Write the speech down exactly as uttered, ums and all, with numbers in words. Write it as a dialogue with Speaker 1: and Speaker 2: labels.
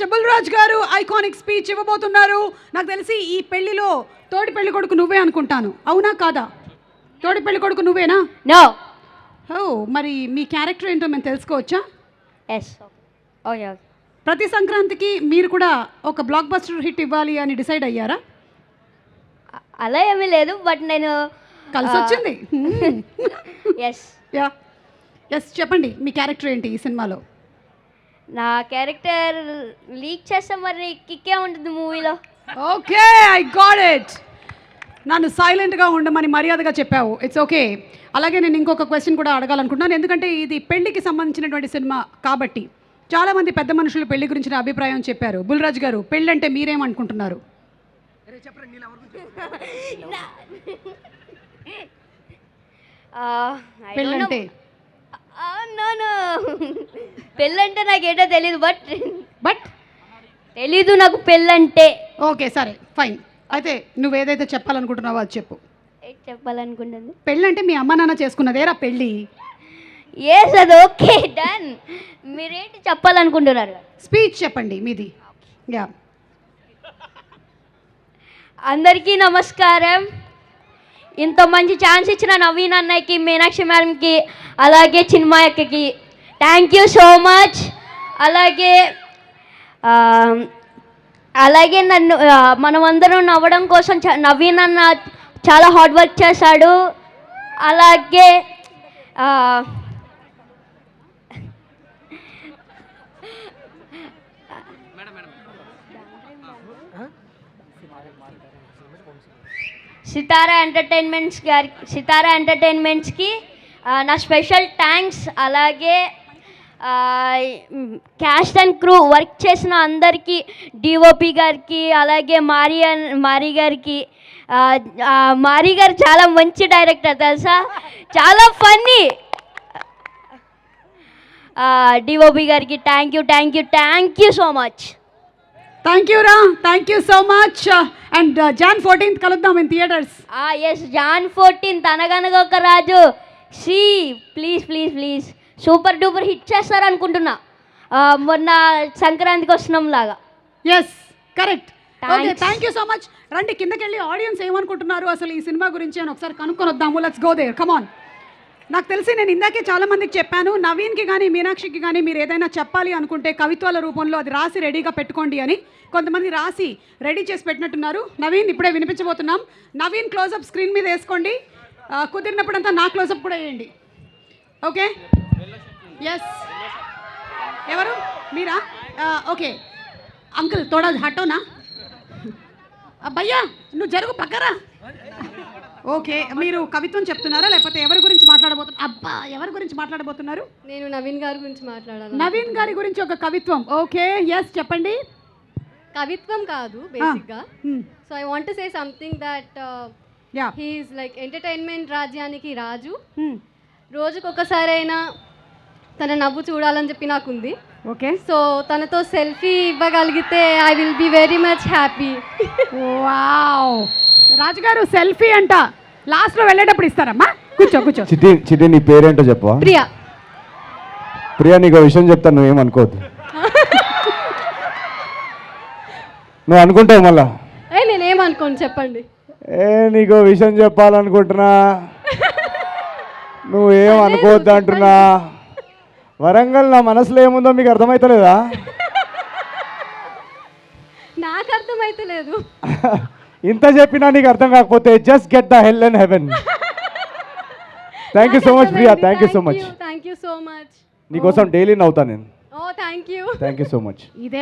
Speaker 1: Bull Raj గారు iconic speech ఇవ్వబోతున్నారు. నాకు తెలిసి ఈ పెళ్లిలో తోడి పెళ్లి కొడుకు నువ్వే అనుకుంటాను, అవునా కాదా? తోడి పెళ్లి కొడుకు నువ్వేనా?
Speaker 2: నో.
Speaker 1: ఓ, మరి మీ క్యారెక్టర్ ఏంటో మేము తెలుసుకోవచ్చా?
Speaker 2: ఎస్. ఓకే.
Speaker 1: ప్రతి సంక్రాంతికి మీరు కూడా ఒక బ్లాక్ బస్టర్ హిట్ ఇవ్వాలి అని డిసైడ్ అయ్యారా?
Speaker 2: అలా ఏమీ లేదు, బట్ నేను
Speaker 1: కలిసి వచ్చింది.
Speaker 2: ఎస్.
Speaker 1: యా ఎస్, చెప్పండి మీ క్యారెక్టర్ ఏంటి ఈ సినిమాలో?
Speaker 2: నా క్యారెక్టర్ లీక్ చేస్తే మరి కిక్కే ఉంటుంది మూవీలో.
Speaker 1: Okay, I got it. నన్ను సైలెంట్గా ఉండమని మర్యాదగా చెప్పావు, ఇట్స్ ఓకే. అలాగే నేను ఇంకొక క్వశ్చన్ కూడా అడగాలనుకుంటున్నాను, ఎందుకంటే ఇది పెళ్లికి సంబంధించినటువంటి సినిమా కాబట్టి చాలామంది పెద్ద మనుషులు పెళ్లి గురించిన అభిప్రాయం చెప్పారు. బుల్రాజ్ గారు, పెళ్ళి అంటే మీరేమనుకుంటున్నారు? పెళ్ళంటే
Speaker 2: పెళ్ళంటే నాకేటో తెలీదు, బట్
Speaker 1: బట్
Speaker 2: తెలీదు నాకు పెళ్ళంటే.
Speaker 1: ఓకే సరే ఫైన్, అయితే నువ్వు ఏదైతే చెప్పాలనుకుంటున్నావో అది చెప్పు.
Speaker 2: ఏంటి చెప్పాలనుకుంటుంది?
Speaker 1: పెళ్ళంటే మీ అమ్మ నాన్న చేసుకున్నదేరా పెళ్ళి.
Speaker 2: ఎస్, అది ఓకే, డన్. మీరేంటి చెప్పాలనుకుంటున్నారు?
Speaker 1: స్పీచ్ చెప్పండి మీది. యా,
Speaker 2: అందరికీ నమస్కారం. ఇంత మంచి ఛాన్స్ ఇచ్చిన నవీన్ అన్నయ్యకి, మీనాక్షి మ్యామ్కి, అలాగే చిన్మయక్కకి థ్యాంక్ యూ సో మచ్. అలాగే అలాగే నన్ను మనమందరం నవ్వడం కోసం నవీన్ అన్న చాలా హార్డ్ వర్క్ చేశాడు. అలాగే సితారా ఎంటర్టైన్మెంట్స్ గారి సితారా ఎంటర్టైన్మెంట్స్కి నా స్పెషల్ థ్యాంక్స్. అలాగే క్యాస్ట్ అండ్ క్రూ వర్క్ చేసిన అందరికీ, డిఓపి గారికి, అలాగే మారి మారి గారికి. మారి గారు చాలా మంచి డైరెక్టర్ తెలుసా, చాలా ఫన్నీ. డిఓపి గారికి thank you thank you thank you so much.
Speaker 1: Thank you రా, thank you so much. And Jan fourteenth కలుద్దాం in theatres.
Speaker 2: Yes, Jan fourteenth Anaganaga Oka Raju. See please please please super duper hit చేస్తారు అనుకుంటున్నా, మొన్న సంక్రాంతికి వస్తున్నాం లాగా.
Speaker 1: Yes correct. Okay, thank you so much. రండి కిందకి వెళ్ళి audience ఏమనుకుంటున్నారు అసలు ఈ సినిమా గురించి అని ఒకసారి కనుక్కొని వద్దాము. Let's go there, come on. నాకు తెలిసి నేను ఇందాకే చాలా మందికి చెప్పాను, నవీన్కి కానీ మీనాక్షికి కానీ మీరు ఏదైనా చెప్పాలి అనుకుంటే కవిత్వాల రూపంలో అది రాసి రెడీగా పెట్టుకోండి అని కొంతమంది రాసి రెడీ చేసి పెట్టినట్టున్నారు. నవీన్ ఇప్పుడే వినిపించబోతున్నాం. నవీన్ క్లోజప్ స్క్రీన్ మీద వేసుకోండి, కుదిరినప్పుడంతా నా క్లోజప్ కూడా వేయండి. Okay, yes. ఎవరు మీరా? ఓకే అంకుల్ తోడా హటోనా భయ్యా, నువ్వు జరుగు పక్కరా. ఓకే, మీరు కవిత్వం చెప్తున్నారా లేకపోతే ఎవరి గురించి మాట్లాడబోతున్నారు? అబ్బా, ఎవరి గురించి మాట్లాడబోతున్నారు?
Speaker 3: నేను నవీన్ గారి గురించి మాట్లాడాలి.
Speaker 1: నవీన్ గారి గురించి ఒక కవిత్వం. ఓకే, ఎస్ చెప్పండి.
Speaker 3: కవిత్వం కాదు బేసిక్గా. So I want to say something that he is like entertainment రాజ్యానికి రాజు. రోజుకు ఒకసారైనా తన నవ్వు చూడాలని చెప్పి నాకుంది.
Speaker 1: ఓకే,
Speaker 3: సో తనతో సెల్ఫీ ఇవ్వగలిగితే I will be very much happy.
Speaker 1: Wow, రాజుగారు సెల్ఫీ అంట లాస్ట్లో వెళ్ళేటప్పుడు ఇస్తారమ్మా. కూర్చో కూర్చో.
Speaker 4: చిటి చిటి నీ పేరేంటో చెప్పవా?
Speaker 3: ప్రియా.
Speaker 4: ప్రియా, నీకు విషయం చెప్తాను, నువ్వేమనుకోవద్దు. నువ్వు అనుకుంటావు మళ్ళా.
Speaker 3: ఏ నేనేమనుకోను, చెప్పండి.
Speaker 4: ఏ నీకు విషయం చెప్పాలనుకుంటున్నా, నువ్వేం అనుకోవద్దు అంటున్నా. వరంగల్ నా మనసులో ఏముందో మీకు అర్థమవుతలేదా?
Speaker 3: నాకు అర్థమైతే లేదు.
Speaker 4: ఇంత చెప్పినా నీకు అర్థం కాకపోతే just get the hell and heaven. Thank you so much Priya, thank you so much.
Speaker 3: Thank you so much.
Speaker 4: నీకోసం డైలీ నవ్వుతా నేను.
Speaker 3: Oh thank you
Speaker 4: thank you so much.